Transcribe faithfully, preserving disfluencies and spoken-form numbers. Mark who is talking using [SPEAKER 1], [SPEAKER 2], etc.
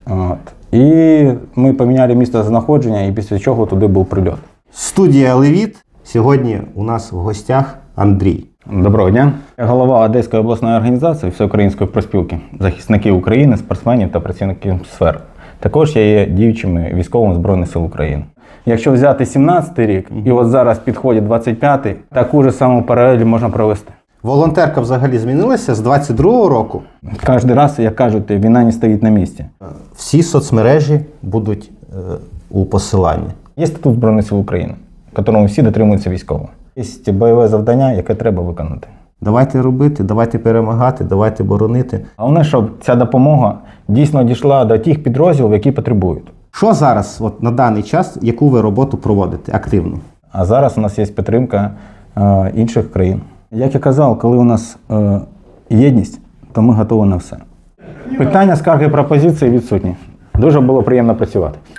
[SPEAKER 1] От. І ми поміняли місце знаходження, і після чого туди був прильот.
[SPEAKER 2] Студія «Левіт». Сьогодні у нас в гостях Андрій.
[SPEAKER 1] Доброго дня. Я голова Одеської обласної організації Всеукраїнської профспілки захисників України, спортсменів та працівників сфер. Також я є діючим військовим Збройних сил України. Якщо взяти сімнадцятий рік і от зараз підходить двадцять п'ятий, таку ж саму паралель можна провести.
[SPEAKER 2] Волонтерка взагалі змінилася з двадцять другого року.
[SPEAKER 1] Кожен раз, як кажуть, війна не стоїть на місці.
[SPEAKER 2] Всі соцмережі будуть е, у посиланні.
[SPEAKER 1] Є статут Збройних сил України, якому всі дотримуються військово. Є бойове завдання, яке треба виконати.
[SPEAKER 2] Давайте робити, давайте перемагати, давайте боронити.
[SPEAKER 1] Головне, щоб ця допомога дійсно дійшла до тих підрозділів, які потребують.
[SPEAKER 2] Що зараз, от на даний час, яку ви роботу проводите активно?
[SPEAKER 1] А зараз у нас є підтримка е, інших країн. Як я казав, коли у нас е, єдність, то ми готові на все. Питання, скарги, пропозиції відсутні. Дуже було приємно працювати.